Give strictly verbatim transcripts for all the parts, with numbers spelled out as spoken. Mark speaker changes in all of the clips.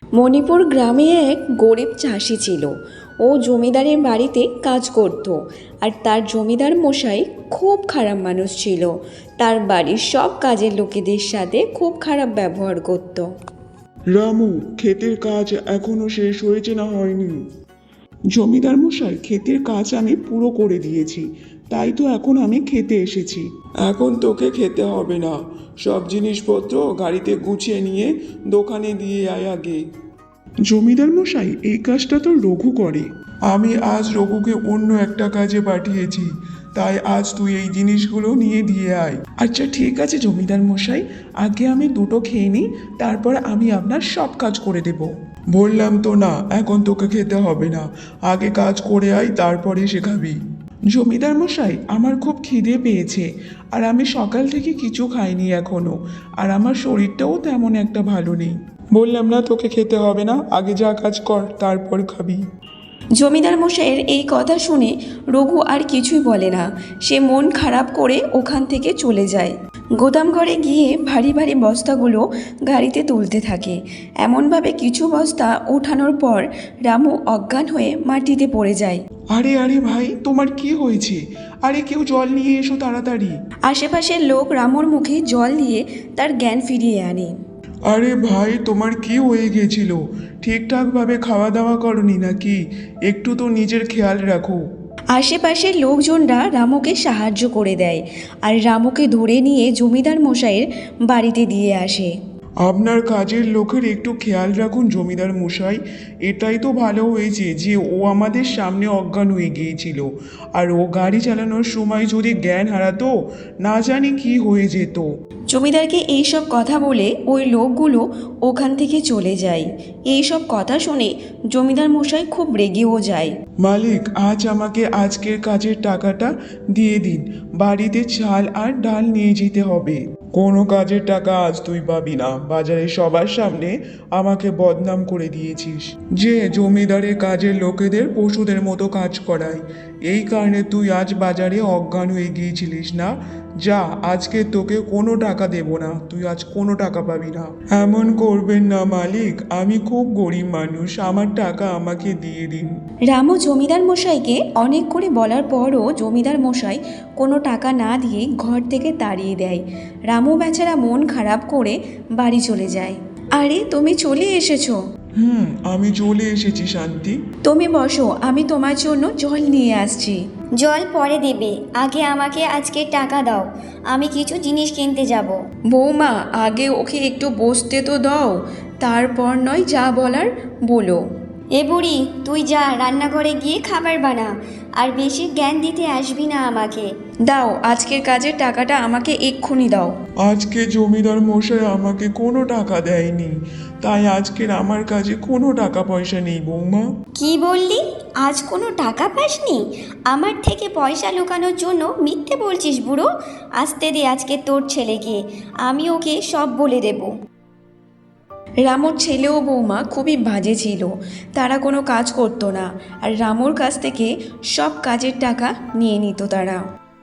Speaker 1: মণিপুর গ্রামে এক গরিব চাষি ছিল। ও জমিদারের বাড়িতে কাজ করত, আর তার জমিদার মশাই খুব খারাপ মানুষ ছিল। তার বাড়ির সব কাজের লোকেদের সাথে খুব খারাপ ব্যবহার করত।
Speaker 2: রামু, ক্ষেতের কাজ এখনো শেষ হয়েছে না হয়নি? জমিদার মশাই, ক্ষেতের কাজ আমি পুরো করে দিয়েছি, তাই তো এখন আমি খেতে এসেছি। এখন তোকে খেতে হবে না, সব জিনিসপত্র গাড়িতে গুছিয়ে নিয়ে দোকানে দিয়ে আয় আগে। জমিদার মশাই, এই কাজটা তো রঘু করে। আমি আজ রঘুকে অন্য একটা কাজে পাঠিয়েছি, তাই আজ তুই এই জিনিসগুলো নিয়ে দিয়ে আয়। আচ্ছা ঠিক আছে জমিদার মশাই, আগে আমি দুটো খেয়ে নিই, তারপর আমি আপনার সব কাজ করে দেব। বললাম তো না, এখন তোকে খেতে হবে না, আগে কাজ করে আয়, তারপরে সে খাবি। জমিদার মশাই, আমার খুব খিদে পেয়েছে, আর আমি সকাল থেকে কিছু খাইনি এখনো, আর আমার শরীরটাও তেমন একটা ভালো নেই। বললাম না তোকে খেতে হবে না, আগে যা কাজ কর তারপর খাবি।
Speaker 1: জমিদার মশাইয়ের এই কথা শুনে রঘু আর কিছুই বলে না। সে মন খারাপ করে ওখান থেকে চলে যায়। গোদাম ঘরে গিয়ে ভারী ভারী বস্তাগুলো গাড়িতে তুলতে থাকে। এমনভাবে কিছু বস্তা ওঠানোর পর রামু অজ্ঞান হয়ে মাটিতে পড়ে যায়।
Speaker 2: আরে আরে ভাই, তোমার কি হয়েছে? আরে কেউ জল নিয়ে এসো তাড়াতাড়ি।
Speaker 1: আশেপাশের লোক রামুর মুখে জল দিয়ে তার জ্ঞান ফিরিয়ে আনে।
Speaker 2: আরে ভাই, তোমার কি হয়ে গেছিল? ঠিকঠাকভাবে খাওয়া দাওয়া করনি নাকি? একটু তো নিজের খেয়াল রাখো।
Speaker 1: আশেপাশের লোকজনরা রামুকে সাহায্য করে দেয়, আর রামুকে ধরে নিয়ে জমিদার মশাইয়ের বাড়িতে দিয়ে আসে।
Speaker 2: আপনার কাজের লোকের একটু খেয়াল রাখুন জমিদার মশাই। এটাই তো ভালো হয়েছে যে ও আমাদের সামনে অজ্ঞান হয়ে গিয়েছিল, আর ও গাড়ি চালানোর সময় যদি জ্ঞান হারাতো, না জানি কি হয়ে যেত।
Speaker 1: জমিদারকে এইসব কথা বলে ওই লোকগুলো ওখান থেকে চলে যায়। এইসব কথা শুনে জমিদার মশাই খুব রেগেও যায়।
Speaker 2: মালিক, আজ আমাকে আজকের কাজের টাকাটা দিয়ে দিন, বাড়িতে চাল আর ডাল নিয়ে যেতে হবে। কোনো কাজের টাকা আজ তুই পাবি না, বাজারে সবার সামনে আমাকে বদনাম করে দিয়েছিস যে জমিদারের কাজের লোকেদের পশুদের মতো কাজ করায়। এই কারণে তুই আজ বাজারে অজ্ঞান হয়ে গিয়েছিলিস না। যা, আজকে তোকে কোনো টাকা দেব না, তুই আজ কোনো টাকা পাবি না। এমন করবেন না মালিক, আমি খুব গরিব মানুষ, আমার টাকা আমাকে দিয়ে দিন।
Speaker 1: রামু জমিদার মশাইকে অনেক করে বলার পরও জমিদার মশাই কোনো টাকা না দিয়ে ঘর থেকে তাড়িয়ে দেয়। রামু বেচারা মন খারাপ করে বাড়ি চলে যায়। আরে, তুমি চলে এসেছো?
Speaker 2: হুম, আমি চলে এসেছি শান্তি।
Speaker 1: তুমি বসো, আমি তোমার জন্য জল নিয়ে আসছি।
Speaker 3: জল পরে দেবে, আগে আমাকে আজকে টাকা দাও, আমি কিছু জিনিস কিনতে যাব।
Speaker 1: বৌমা, আগে ওকে একটু বসতে তো দাও, তারপর নয় যা বলার বলো।
Speaker 3: এ বুড়ি, তুই যা রান্নাঘরে গিয়ে খাবার বানা, আর বেশি জ্ঞান দিতে আসবি না আমাকে।
Speaker 1: দাও, আজকের কাজের টাকাটা আমাকে এক্ষুনি দাও।
Speaker 2: আজকে জমিদার মশাই আমাকে কোনো টাকা দেয়নি, তাই আজকের আমার কাছে কোনো টাকা পয়সা নেই বৌমা।
Speaker 3: কি বললি? আজ কোনো টাকা পাসনি? আমার থেকে পয়সা লুকানোর জন্য মিথ্যে বলছিস বুড়ো। আসতে দে আজকে তোর ছেলেকে, আমি ওকে সব বলে দেব।
Speaker 1: রামুর ছেলে ও বৌমা খুবই বাজে ছিল। তারা কোনো কাজ করতো না, আর রামুর কাছ থেকে সব কাজের টাকা নিয়ে নিত তারা,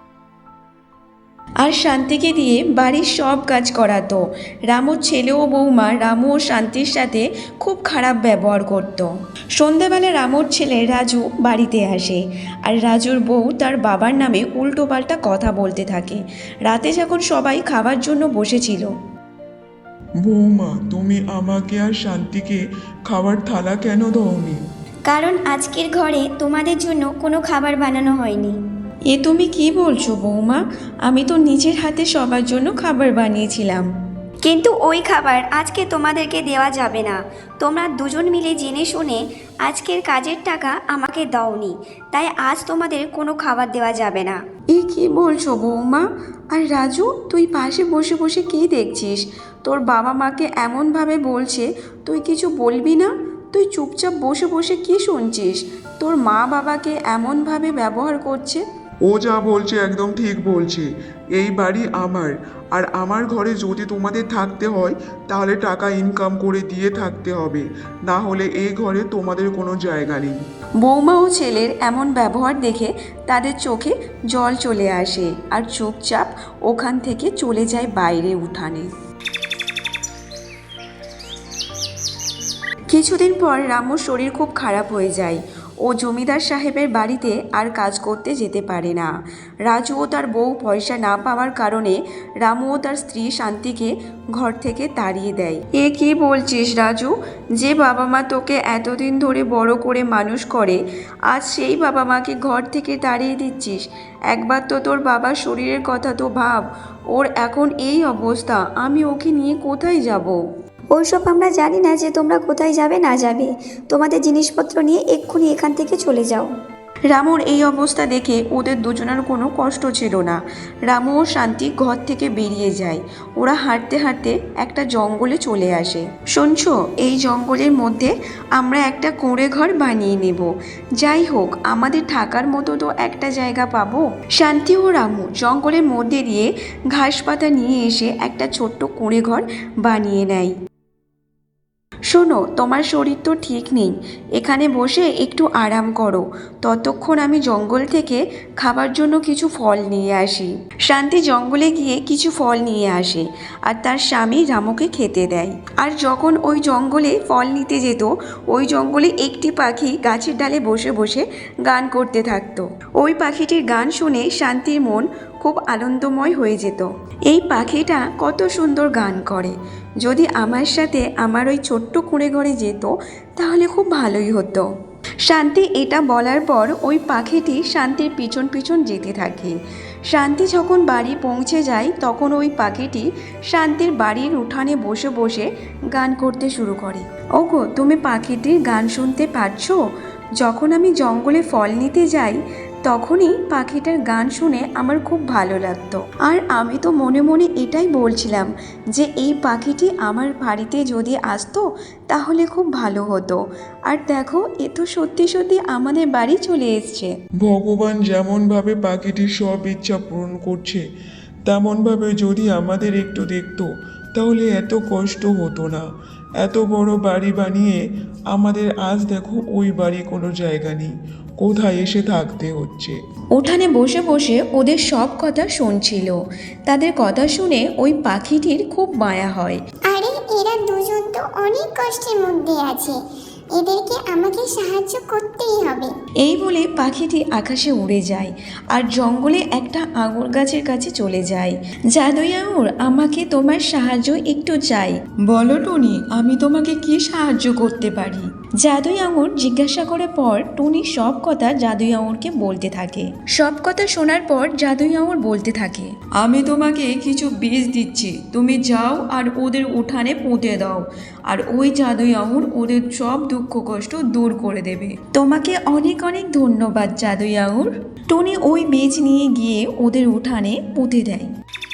Speaker 1: আর শান্তিকে দিয়ে বাড়ির সব কাজ করাতো। রামুর ছেলে ও বৌমা রামু ও শান্তির সাথে খুব খারাপ ব্যবহার করত। সন্ধ্যাবেলা রামুর ছেলে রাজু বাড়িতে আসে, আর রাজুর বউ তার বাবার নামে উল্টোপাল্টা কথা বলতে থাকে। রাতে যখন সবাই খাবার জন্য বসেছিল,
Speaker 2: বৌমা, তুমি আমাকে আর শান্তিকে খাবার থালা কেন দাওনি?
Speaker 3: কারণ আজকের ঘরে তোমাদের জন্য কোনো খাবার বানানো হয়নি।
Speaker 1: এ তুমি কি বলছো বৌমা? আমি তো নিজের হাতে সবার জন্য খাবার বানিয়েছিলাম।
Speaker 3: কিন্তু ওই খাবার আজকে তোমাদেরকে দেওয়া যাবে না। তোমরা দুজন মিলে জেনে শুনে আজকের কাজের টাকা আমাকে দাওনি, তাই আজ তোমাদের কোনো খাবার দেওয়া যাবে না।
Speaker 1: এ কি বলছো বৌমা? আর রাজু, তুই পাশে বসে বসে কী দেখছিস? তোর বাবা মাকে এমনভাবে বলছে, তুই কিছু বলবি না? তুই চুপচাপ বসে বসে কী শুনছিস? তোর মা বাবাকে এমনভাবে ব্যবহার করছে।
Speaker 2: ও যা বলছে একদম ঠিক বলছে। এই বাড়ি আমার, আর আমার ঘরে যদি তোমাদের থাকতে হয় তাহলে টাকা ইনকাম করে দিয়ে থাকতে হবে, না হলে এই ঘরে তোমাদের কোনো জায়গা নেই।
Speaker 1: বৌমা ও ছেলের এমন ব্যবহার দেখে তাদের চোখে জল চলে আসে, আর চুপচাপ ওখান থেকে চলে যায় বাইরে উঠানে। কিছুদিন পর রামুর শরীর খুব খারাপ হয়ে যায়। ও জমিদার সাহেবের বাড়িতে আর কাজ করতে যেতে পারে না। রাজু ও তার বউ পয়সা না পাওয়ার কারণে রামু ও তার স্ত্রী শান্তিকে ঘর থেকে তাড়িয়ে দেয়। এ কি বলছিস রাজু? যে বাবা মা তোকে এতদিন ধরে বড় করে মানুষ করে, আজ সেই বাবা মাকে ঘর থেকে তাড়িয়ে দিচ্ছিস? একবার তো তোর বাবার শরীরের কথা তো ভাব। ওর এখন এই অবস্থা, আমি ওকে নিয়ে কোথায় যাব?
Speaker 3: ওইসব আমরা জানি না যে তোমরা কোথায় যাবে না যাবে। তোমাদের জিনিসপত্র নিয়ে এক্ষুনি এখান থেকে চলে যাও।
Speaker 1: রামুর এই অবস্থা দেখে ওদের দুজনের কোনো কষ্ট ছিল না। রামু ও শান্তি ঘর থেকে বেরিয়ে যায়। ওরা হাঁটতে হাঁটতে একটা জঙ্গলে চলে আসে। শুনছো, এই জঙ্গলের মধ্যে আমরা একটা কুঁড়ে ঘর বানিয়ে নেব। যাই হোক, আমাদের থাকার মতো তো একটা জায়গা পাবো। শান্তি ও রামু জঙ্গলের মধ্যে দিয়ে ঘাস পাতা নিয়ে এসে একটা ছোট্ট কুঁড়ে ঘর বানিয়ে নেয়। শোনো, তোমার শরীর তো ঠিক নেই, এখানে বসে একটু আরাম করো। ততক্ষণ আমি জঙ্গল থেকে খাবার জন্য কিছু ফল নিয়ে আসি। শান্তি জঙ্গলে গিয়ে কিছু ফল নিয়ে আসে আর তার স্বামী রামুকে খেতে দেয়। আর যখন ওই জঙ্গলে ফল নিতে যেত, ওই জঙ্গলে একটি পাখি গাছের ডালে বসে বসে গান করতে থাকতো। ওই পাখিটির গান শুনে শান্তির মন খুব আনন্দময় হয়ে যেত। এই পাখিটা কত সুন্দর গান করে। যদি আমার সাথে আমার ওই ছোট্ট কুঁড়ে ঘরে যেত তাহলে খুব ভালোই হতো। শান্তি এটা বলার পর ওই পাখিটি শান্তির পিছন পিছন যেতে থাকে। শান্তি যখন বাড়ি পৌঁছে যায় তখন ওই পাখিটি শান্তির বাড়ির উঠানে বসে বসে গান করতে শুরু করে। ওগো, তুমি পাখিটির গান শুনতে পাচ্ছো? যখন আমি জঙ্গলে ফল নিতে যাই তখনই পাখিটার গান শুনে আমার খুব ভালো লাগতো। আর আমি তো মনে মনে এটাই বলছিলাম যে এই পাখিটি আমার বাড়িতে যদি আসতো তাহলে খুব ভালো হতো। আর দেখো, এ তো সত্যি সত্যি আমাদের বাড়ি চলে এসছে।
Speaker 2: ভগবান যেমনভাবে পাখিটির সব ইচ্ছা পূরণ করছে, তেমনভাবে যদি আমাদের একটু দেখতো তাহলে এত কষ্ট হতো না। এত বড় বাড়ি বানিয়ে আমাদের আজ দেখো ওই বাড়ি কোনো জায়গা নেই, কোথায় এসে থাকতে হচ্ছে।
Speaker 1: উঠানে বসে বসে ওদের সব কথা শুনছিল। তাদের কথা শুনে ওই পাখিটির খুব মায়া হয়।
Speaker 4: আরে এরা দুজন তো অনেক কষ্টের মধ্যে আছে, এদেরকে আমাকে সাহায্য করতেই হবে।
Speaker 1: এই বলে পাখিটি আকাশে উড়ে যায় আর জঙ্গলে একটা আঙুর গাছের কাছে চলে যায়। জাদুই আঙুর, আমাকে তোমার সাহায্য একটু চাই। বলো টুনি, আমি তোমাকে কি সাহায্য করতে পারি? জাদুই আঙুর জিজ্ঞাসা করে পর টুনি সব কথা জাদুই আঙুরকে বলতে থাকে। সব কথা শোনার পর জাদুই আঙুর বলতে থাকে, আমি তোমাকে কিছু বীজ দিচ্ছি, তুমি যাও আর ওদের উঠানে পুঁতে দাও, আর ওই জাদুই আঙুর ওদের সব দুঃখ কষ্ট দূর করে দেবে। তোমাকে অনেক অনেক ধন্যবাদ জাদুই আঙুর। টুনি ওই বীজ নিয়ে গিয়ে ওদের উঠানে পুঁতে দেয়।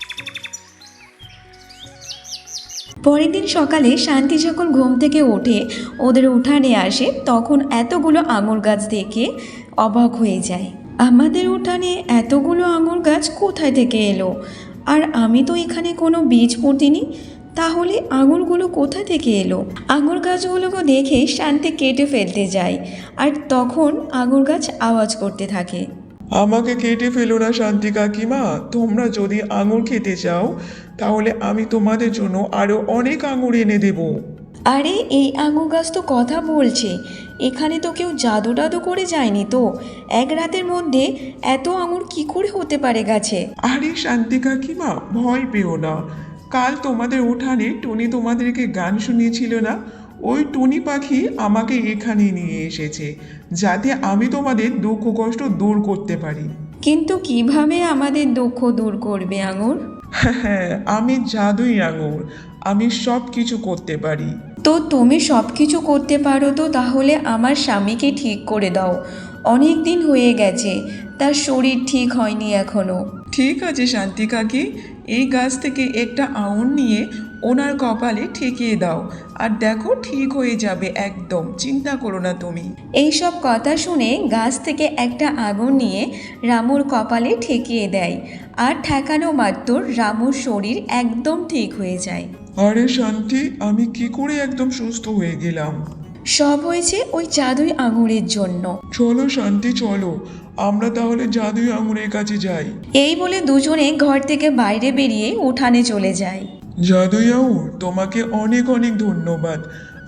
Speaker 1: পরের দিন সকালে শান্তি যখন ঘুম থেকে ওঠে ওদের উঠানে আসে, তখন এতগুলো আঙুর গাছ দেখে অবাক হয়ে যায়। আমাদের উঠানে এতগুলো আঙুর গাছ কোথায় থেকে এলো? আর আমি তো এখানে কোনো বীজ পুঁতিনি, তাহলে আঙুরগুলো কোথা থেকে এলো? আঙুর গাছগুলোকে দেখে শান্তি কেটে ফেলতে যায়, আর তখন আঙুর গাছ আওয়াজ করতে থাকে,
Speaker 2: আমাকে কেটে ফেলো না শান্তি কাকিমা, তোমরা যদি আঙুর খেতে চাও তাহলে আমি তোমাদের জন্য আরো অনেক আঙুর এনে দেব।
Speaker 1: আরে এই আঙুর গাছ তো কথা বলছে, এখানে তো কেউ জাদু টাদু করে যায়নি তো? এক রাতের মধ্যে এত আঙুর কি করে হতে পারে গাছে?
Speaker 2: আরে শান্তি কাকিমা, ভয় পেও না। কাল তোমাদের উঠানে টুনি তোমাদেরকে গান শুনিয়েছিল না, ওই টুনি পাখি আমাকে এখানে নিয়ে এসেছে যাতে আমি তোমাদের দুঃখ কষ্ট দূর করতে পারি।
Speaker 1: কিন্তু কিভাবে আমাদের দুঃখ দূর করবে আঙুর?
Speaker 2: হ্যাঁ, আমি জাদুই আঙুর, আমি সব কিছু করতে পারি।
Speaker 1: তো তুমি সব কিছু করতে পারো তো তাহলে আমার স্বামীকে ঠিক করে দাও। অনেক দিন হয়ে গেছে, তার শরীর ঠিক হয়নি এখনো।
Speaker 2: ঠিক আছে শান্তি কাকি, এই গাছ থেকে একটা আঙুর নিয়ে ওনার কপালে ঠেকিয়ে দাও, আর দেখো ঠিক হয়ে যাবে একদম, চিন্তা করো না তুমি।
Speaker 1: এইসব কথা শুনে গাছ থেকে একটা আগুন নিয়ে রামুর কপালে ঠেকিয়ে দেয়, আর ঠেকানো মাত্র রামুর শরীর একদম ঠিক হয়ে যায়।
Speaker 2: আরে শান্তি, আমি কি করে একদম সুস্থ হয়ে গেলাম?
Speaker 1: সব হয়েছে ওই জাদুই আঙুরের জন্য।
Speaker 2: চলো শান্তি, চলো আমরা তাহলে জাদুই আঙুরের কাছে যাই।
Speaker 1: এই বলে দুজনে ঘর থেকে বাইরে বেরিয়ে উঠানে চলে যায়।
Speaker 2: জাদুই আঙুর, তোমাকে অনেক অনেক ধন্যবাদ।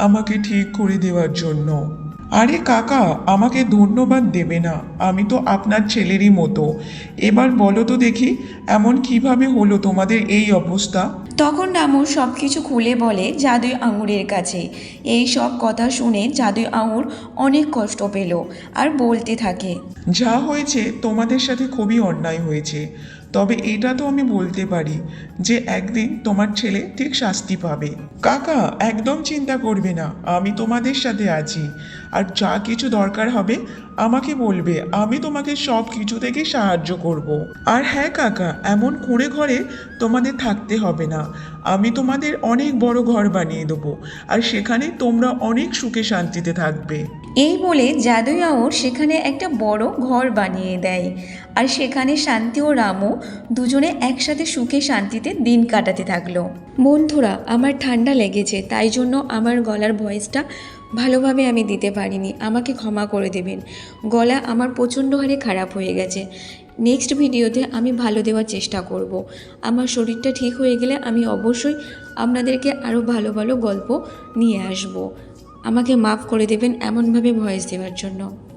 Speaker 2: আমাকে ঠিক করে দেওয়ার জন্য। আরে কাকা, আমাকে ধন্যবাদ দেবে না, আমি তো আপনার ছেলেরই মতো। এবার বলো তো দেখি, এমন কিভাবে হলো তোমাদের এই অবস্থা?
Speaker 1: তখন রামু সব কিছু খুলে বলে জাদুই আঙুরের কাছে। এই সব কথা শুনে জাদুই আঙুর অনেক কষ্ট পেল আর বলতে থাকে,
Speaker 2: যা হয়েছে তোমাদের সাথে খুবই অন্যায় হয়েছে, তবে এটা তো আমি বলতে পারি যে একদিন তোমার ছেলে ঠিক শাস্তি পাবে। কাকা, একদম চিন্তা করবে না, আমি তোমাদের সাথে আছি, আর যা কিছু দরকার হবে আমাকে বলবে, আমি তোমাকে সব কিছু থেকে সাহায্য করব। আর হ্যাঁ কাকা, এমন কুঁড়ে ঘরে তোমাদের থাকতে হবে না, আমি তোমাদের অনেক বড় ঘর বানিয়ে দেবো, আর সেখানে তোমরা অনেক সুখে শান্তিতে থাকবে।
Speaker 1: এই বলে জাদুই আঙুর সেখানে একটা বড় ঘর বানিয়ে দেয়। আর সেখানে শান্তি ও রামু দুজনে একসাথে সুখে শান্তিতে দিন কাটাতে থাকলো। বন্ধুরা, আমার ঠান্ডা লেগেছে, তাই জন্য আমার গলার ভয়েসটা ভালোভাবে আমি দিতে পারিনি, আমাকে ক্ষমা করে দেবেন। গলা আমার প্রচণ্ড হারে খারাপ হয়ে গেছে। নেক্সট ভিডিওতে আমি ভালো দেওয়ার চেষ্টা করব। আমার শরীরটা ঠিক হয়ে গেলে আমি অবশ্যই আপনাদেরকে আরও ভালো ভালো গল্প নিয়ে আসব। আমাকে মাফ করে দেবেন এমনভাবে ভয়েস দেওয়ার জন্য।